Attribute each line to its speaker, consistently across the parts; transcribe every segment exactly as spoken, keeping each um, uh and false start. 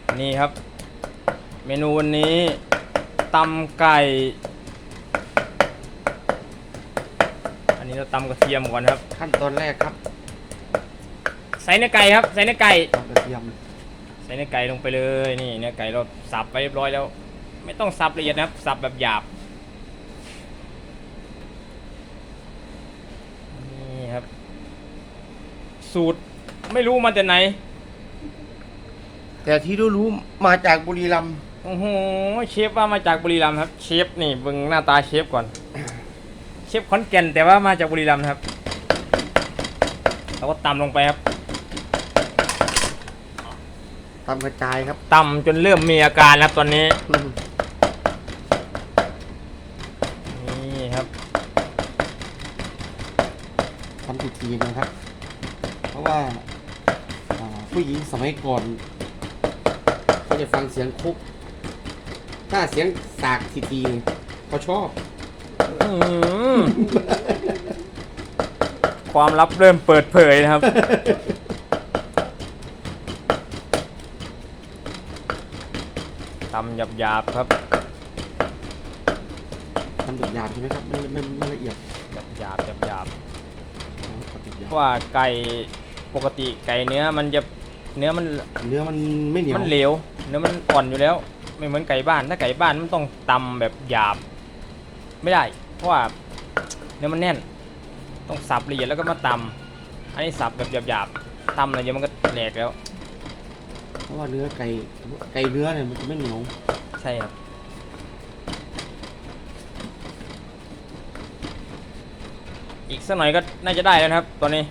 Speaker 1: นี่ครับเมนูวันนี้ตำไก่อันนี้เราตำกระเทียมก่อนครับ
Speaker 2: ขั้นตอนแรกครับ
Speaker 1: ใส่เนื้อไก่ครับใส่เนื้อไก่
Speaker 2: ตำกระเทียม
Speaker 1: ใส่เนื้อไก่ลงไปเลยนี่เนื้อไก่เราสับไปเรียบร้อยแล้วไม่ต้องสับละเอียดนะครับสับแบบหยาบนี่ครับสูตรไม่รู้มาจากไหน
Speaker 2: แต่ที่รู้ๆมาจากบุรีรัมย์
Speaker 1: โอ้โหเชฟว่ามาจากบุรีรัมย์ครับเชฟนี่เบิ่งหน้าตาเชฟก่อนเชฟขอนแก่นแต่ว่ามาจากบุรีรัมย์ครับเราก็ตำลงไปครับ
Speaker 2: ตำกระจายครับ
Speaker 1: ตำจนเริ่มมีอาการแล้วตอนนี้นี่ครับ
Speaker 2: ทำทีๆนะครับเพราะว่าผู้หญิงสมัยก่อนเขาจะฟังเสียงคุกถ้าเสียงสากทีๆเขาชอบ
Speaker 1: ความลับเริ่มเปิดเผยนะครับตำหยาบๆครับ
Speaker 2: ทำหยาบๆใช่ไหมครับไม่ไม่ไม่ละเอียด
Speaker 1: หยาบๆหยาบๆเพราะว่าไก่ปกติไก่เนื้อมันจะเนื้อมัน
Speaker 2: เนื้อมันไม่เหนียว
Speaker 1: มันเหลวเนื้อมันอ่อนอยู่แล้วไม่เหมือนไก่บ้านถ้าไก่บ้านมันต้องตำแบบหยาบไม่ได้เพราะว่าเนื้อมันแน่นต้องสับละเอียดแล้วก็มาตำอันนี้สับแบบหยาบๆตำอะไรเยอะมันก็แหลกแล้ว
Speaker 2: เพราะว่าเนื้อไก่ไก่เนื้อเนี่ยมันจะไม่เหนียว
Speaker 1: ใช่ครับอีกสักหน่อยก็น่าจะได้แล้วครับตอนนี้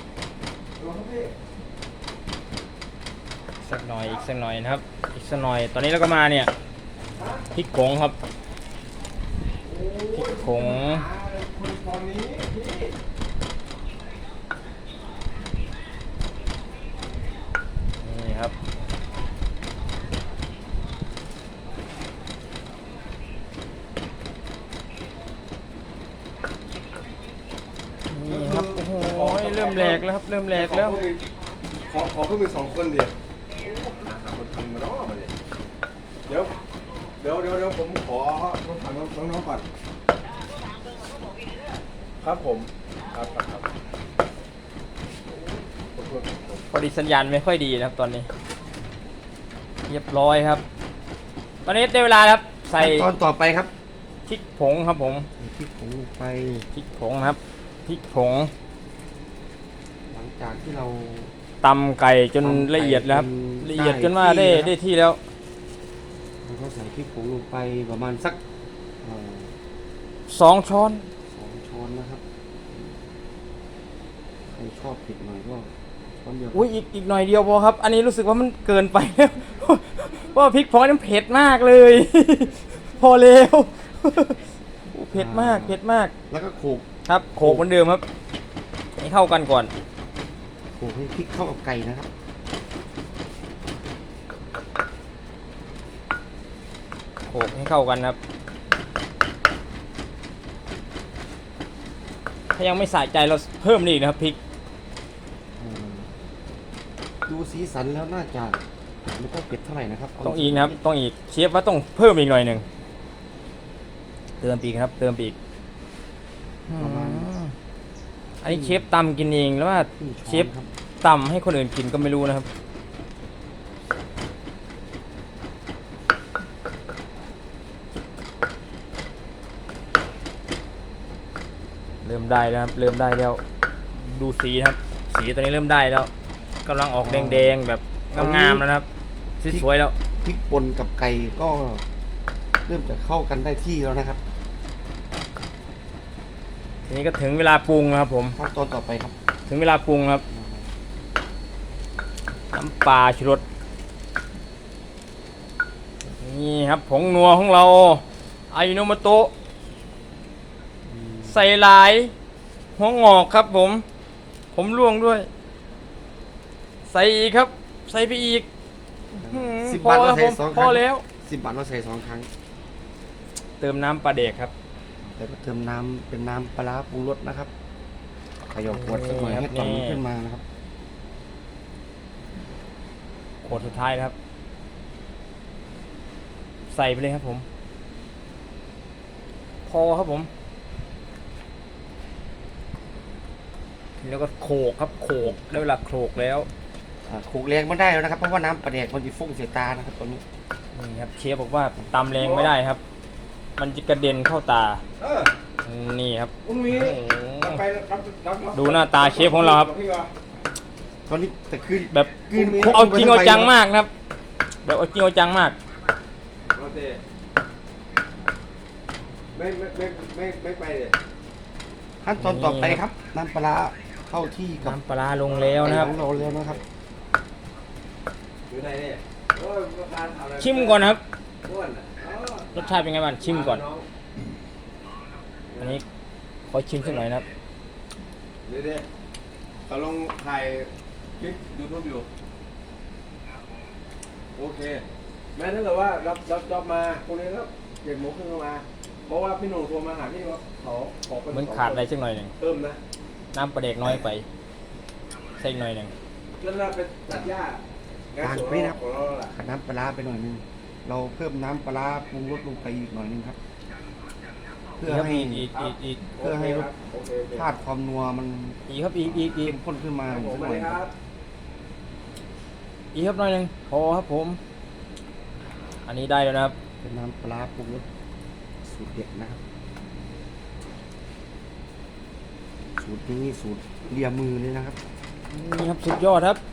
Speaker 1: สักหน่อยอีกสักหน่อยนะครับอีกสักหน่อยตอนนี้เราก็มาเนี่ยพริกผงครับพริกผงนี่ครับนี่ครับโอ้โหเริ่มแหลกแล้วครับเริ่มแหลกแล้ว
Speaker 3: ขอขอเพิ่มอีกสองคนเดียวคนทำมาเนาะมาเลยเดี๋ยวเดี๋ยวเดี๋ยวเดี๋ยวผมขอผมถามน้องน้องก่อนครับผมครับครับ
Speaker 1: พอดีสัญญาณไม่ค่อยดีนะครับตอนนี้เรียบร้อยครับตอนนี้ได้เวลาครับใส่
Speaker 2: ตอนต่อไปครับ
Speaker 1: พริกผงครับผม
Speaker 2: พริกผงลงไป
Speaker 1: พริกผงครับพริกผง
Speaker 2: หลังจากที่เรา
Speaker 1: ตำไก่จนละเอียดแล้วครับละเอียดจนว่าได้ได้ที่แล้ว
Speaker 2: เราก็ใส่พริกผงลงไปประมาณสัก
Speaker 1: สองช้อน
Speaker 2: สองช้อนนะครับใครชอบเผ็ดหน่อยก็ช้อนเดียว
Speaker 1: อุ้ยอีกอีกหน่อยเดียวพอครับอันนี้รู้สึกว่ามันเกินไปเพราะพริกผงนี่เผ็ดมากเลยพอแล้วเผ็ดมากเผ็ดมาก
Speaker 2: แล้วก็โขลก
Speaker 1: ครับโขลกเหมือนเดิมครับให้เข้ากันก่อน
Speaker 2: โขลกให้พริกเข้ากับไก่นะครับ
Speaker 1: โขลกให้เข้ากันครับถ้ายังไม่สะใจเราเพิ่มอีกนะครับพริก
Speaker 2: ดูสีสันแล้วน่าจะไม่ต้องเผ็ดเท่าไหร่นะครับ
Speaker 1: ต้องอีกนะครับต้องอีกเชฟว่าต้องเพิ่มอีกหน่อยหนึ่งเติมอีกครับเติมอีกอันนี้เชฟตำกินเองแล้วว่าเชฟตำให้คนอื่นกินก็ไม่รู้นะครับเริ่มได้แล้วครับเริ่มได้แล้วดูสีครับสีตอนนี้เริ่มได้แล้วกำลังออกแดงๆแบบงามๆแล้วนะครับสวยๆแล้ว
Speaker 2: พริกป่นกับไก่ก็เริ่มจะเข้ากันได้ที่แล้วนะครับ
Speaker 1: ทีนี้ก็ถึงเวลาปรุงครับผม
Speaker 2: ขั้นตอนต่อไปครับ
Speaker 1: ถึงเวลาปรุงครับน้ำปลาชูรสนี่ครับผงนัวของเราอายิโนโมโตะใส่หลายหัวงอกครับผมผมร่วงด้วยใส่อีกครับใส่ไปอีก
Speaker 2: สิบบาทเราใส่สองครั้ง
Speaker 1: พอแล้ว
Speaker 2: สิบบาทเราใส่สองครั้ง
Speaker 1: เติมน้ำปลาเด็กครับ
Speaker 2: แล้วก็เติมน้ำเป็นน้ำปลาปรุงรสนะครับขยำขวดสักหน่อยให้ตอนมันขึ้นมานะครับ
Speaker 1: ขวดสุดท้ายครับส่ไปเลยครับผมพอครับผมแล้วก็โขกครับโขกได้เวลาโขกแล้ว
Speaker 2: อ่าขูกแรงไม่ได้แล้วนะครับเพราะว่าน้ำปลาแดกมันจะฟุ้งเสียตานะครับตอนนี้
Speaker 1: นี่ครับเชฟบอกว่าตำแรงไม่ได้ครับ มันจะกระเด็นเข้าตา
Speaker 3: เออ
Speaker 1: นี่ครับ
Speaker 3: คุณมี
Speaker 1: โอ้โห
Speaker 3: รับไปรับรับรับ
Speaker 1: ดูหน้าตาเชฟของเราครับ
Speaker 3: พี่วะ
Speaker 2: ตอนนี้แต่คือ
Speaker 1: แบบ
Speaker 2: คืน
Speaker 1: เอาจริงเอาจังมากนะครับ แบบเอาจริงเอาจังมาก
Speaker 3: โอเคไม่ไม่ไม่ไม่ไม่ไปเลย
Speaker 2: ขั้นตอนต่อไปครับน้ำปลาร้าเข้าที่กับ
Speaker 1: น้ำปลาร้าลงแล้วนะครับ
Speaker 2: ของเราแล้วนะครับ
Speaker 3: อยู่ไหนเนี่ยโอ้ยประธานทำอะไร
Speaker 1: ชิมก่อนนะครับ
Speaker 3: อ้วนอ่ะอ๋อ
Speaker 1: รสชาติเป็นไงบ้างชิมก่อน
Speaker 3: ง
Speaker 1: อันนี้ขอชิมสักหน่อยนะครับ
Speaker 3: เดี๋ยวเดี๋ยวเขาลงถ่ายคลิปยูทูบอยู่โอเคแม้ถ้าเกิดว่ารับรับจอบมาพรุ่งนี้แล้วเจ็ดโมงครึ่งก็มา เพราะว่าพี่หนุ่มโทรมาหาพี่ว่าเขาขอเป็น
Speaker 1: เหมือนขาดอะไรสักหน่อยหนึ่ง
Speaker 3: เพิ่มนะ
Speaker 1: น้ำปลาเด็กน้อยไปใส่อีกหน่อยหนึ่ง
Speaker 3: แล้วเราไปตัดหญ้า
Speaker 2: ต่าง
Speaker 3: สวน
Speaker 2: ไปนะครับ
Speaker 3: ของเราล่ะ
Speaker 2: ขัดน้ำปลาร้าไปหน่อยนึงเราเพิ่มน้ำปลาร้าปรุงรสลงไปอีกหน่อยนึงครับ เพื่อ
Speaker 1: ครับ
Speaker 2: ให้
Speaker 1: อีกอีกอีกอีก
Speaker 2: เพื่อให้รส
Speaker 3: โอเคโอเค
Speaker 2: ชาติความนัวมัน
Speaker 1: อีกครับอีกอีกอีก
Speaker 2: เข้มข้นขึ้นมา
Speaker 3: ครับผม
Speaker 2: สัก
Speaker 3: มา
Speaker 2: หน่
Speaker 3: เล
Speaker 2: อย
Speaker 3: ย
Speaker 2: ค
Speaker 3: ค
Speaker 2: รั
Speaker 3: รั
Speaker 2: บบ
Speaker 1: อีกครับหน่อยหนึ่งพอครับผม อันนี้ได้แล้วนะครับ
Speaker 2: เป็นน้ำปลาร้าปรุงรสสูตรเด็ดนะครับ สูตรนี้สูตรเลียมือเลยนะครับ
Speaker 1: นี่ครับสุดยอดครับ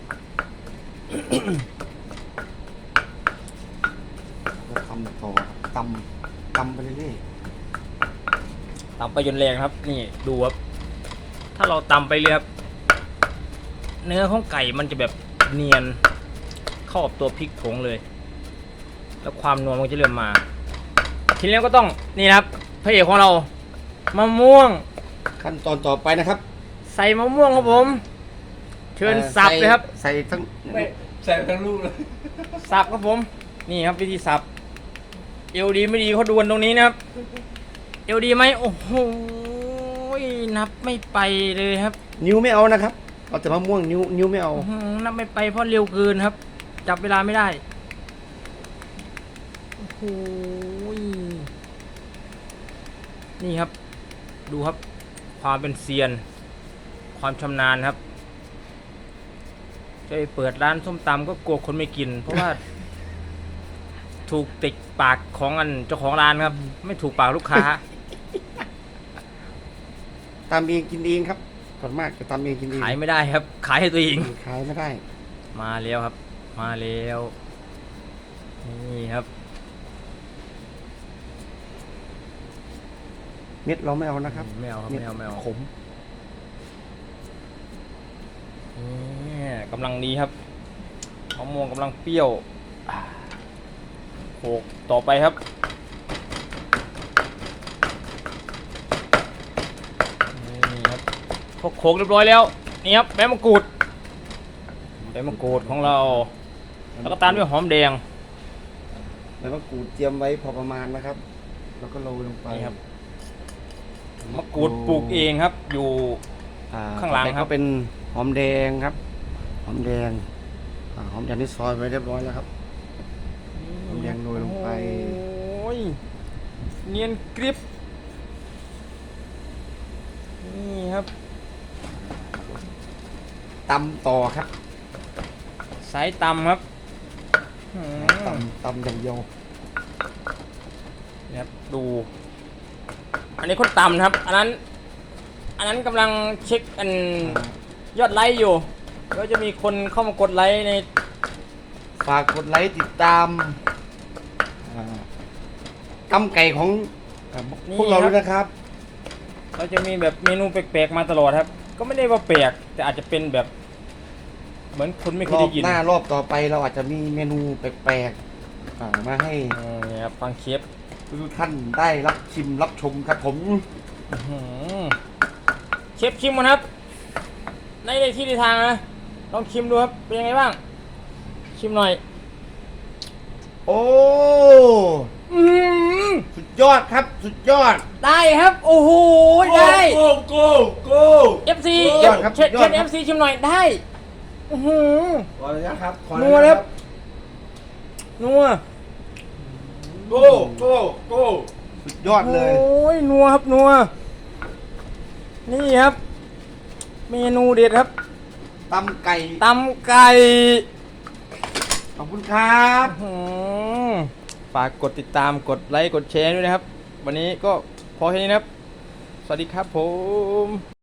Speaker 2: แล้วทำต่อตำตำไปเรื่อย
Speaker 1: ตำไปจนแรงครับ นี่ดูครับ ถ้าเราตำไปเลยครับ เนื้อของไก่มันจะแบบเนียนเข้ากับตัวพริกผงเลย แล้วความนัวมันจะเริ่มมา ทีนี้ก็ต้องนี่นะครับพระเอกของเรามะม่วง
Speaker 2: ๆขั้นตอนต่อไปนะครับ
Speaker 1: ใส่มะม่วงครับผม เชิญ
Speaker 2: อ่อ
Speaker 1: สับเลยครับ
Speaker 2: ใส่ทั้ง
Speaker 3: ไม่ใส่ทั้งลูกเลย
Speaker 1: สับครับผม นี่ครับวิธีสับเอวดีไม่ดีเขาดวลตรงนี้นะครับเอวดีไหมโอ้โหนับไม่ไปเลยครับ
Speaker 2: นิ้วไม่เอานะครับเอาแต่มะม่วงนิ้วนิ้วไม่เอา
Speaker 1: อื้อหือนับไม่ไปเพราะเร็วเกินครับ จับเวลาไม่ได้โอ้โหนี่ครับ ดูครับ ความเป็นเซียน ความชำนาญครับจะไปเปิดร้านส้มตำก็กลัวคนไม่กิน เพราะว่า ถูกติดปากของอันเจ้าของร้านครับ ไม่ถูกปากลูกค้า
Speaker 2: ตำเองกินเองครับส่วนมากจะตำเองกินเอง
Speaker 1: ขายไม่ได้ครับ ขายให้ตัวเอง
Speaker 2: ขายไม่ได้
Speaker 1: มาแล้วครับ มาแล้วนี่ครับ
Speaker 2: เม็ดเราไม่เอานะครับ
Speaker 1: ไม่เอาครับไม่เอาไม่เอา
Speaker 2: ขม
Speaker 1: นี่กำลังดีครับมะม่วงกำลังเปรี้ยวอ่าโขกต่อไปครับนี่ครับพอโขกเรียบร้อยแล้วนี่ครับใบมะกรูดใบมะกรูดของเรา แล้วก็ตามด้วยหอมแดง
Speaker 2: ใบมะกรูดเตรียมไว้พอประมาณนะครับ แล้วก็โรยลงไป
Speaker 1: นี่ครับ มะกรูดปลูกเองครับ อยู่
Speaker 2: อ่
Speaker 1: ข้างหลัง
Speaker 2: ต่อไป
Speaker 1: ครั
Speaker 2: ก็
Speaker 1: บ
Speaker 2: เป็นหอมแดงครับ หอมแดงอ่าหอมแดงที่ซอยไว้เรียบร้อยแล้วครับ หอมแดงโรยลงไป
Speaker 1: โอ้ยเนียนกริบนี่ครับ
Speaker 2: ตำต่อครับ
Speaker 1: สายตำครับหืม
Speaker 2: ตำตำอย่างเดียว
Speaker 1: เนี่ยครับดู อันนี้คนตำนะครับ อันนั้น อันนั้นกำลังเช็คอันยอดไลค์อยู่ก็จะมีคนเข้ามากดไลค์ใน
Speaker 2: ฝากกดไลค์ติดตามอ่าตำไก่ของอ่าพวกเราด้วยนะครับ
Speaker 1: เราจะมีแบบเมนูแปลกๆมาตลอดครับ ก็ไม่ได้ว่าแปลกแต่อาจจะเป็นแบบ เหมือนคนไม่เค
Speaker 2: ร
Speaker 1: ย
Speaker 2: อ
Speaker 1: ได้
Speaker 2: บ
Speaker 1: ยิน
Speaker 2: หน้ารอบต่อไปเราอาจจะมีเมนูแปลกๆอ่ามาให้
Speaker 1: เออเนี่ยครับฟังเชฟ
Speaker 2: ทุกท่านได้รับชิมรับชมครับผม
Speaker 1: อื้อหือเชฟชิมกันครับ ในในที่ในทางนะลองชิมดูครับเป็นยังไงบ้าง ชิมหน่อย
Speaker 2: โอ้
Speaker 1: อืม
Speaker 2: สุดยอดครับ สุดยอด
Speaker 1: ได้ครับ โอ้โหได้
Speaker 3: โก้โก้โก้
Speaker 1: เอฟซี
Speaker 2: ยอดครับ
Speaker 1: เช็ด
Speaker 2: ยอ
Speaker 1: เช็
Speaker 2: ด
Speaker 1: ด
Speaker 2: ค
Speaker 1: เอ
Speaker 2: รับ
Speaker 1: ฟซีชิมหน่อยได้อือหือ
Speaker 3: ขออนุญาตครับขออ
Speaker 1: นั
Speaker 3: ญาต
Speaker 1: วนะครับ นัว
Speaker 3: โก้โก้โก้
Speaker 2: สุดยอดเลย
Speaker 1: โอ้ยนัวครับนัวนี่ครับ เมนูเด็ดครับ
Speaker 2: ตำไก่
Speaker 1: ตำไก่
Speaker 2: ขอบคุณครับ
Speaker 1: อื้อหือฝากกดติดตามกดไลค์กดแชร์ด้วยนะครับ วันนี้ก็พอแค่นี้นะครับ สวัสดีครับผม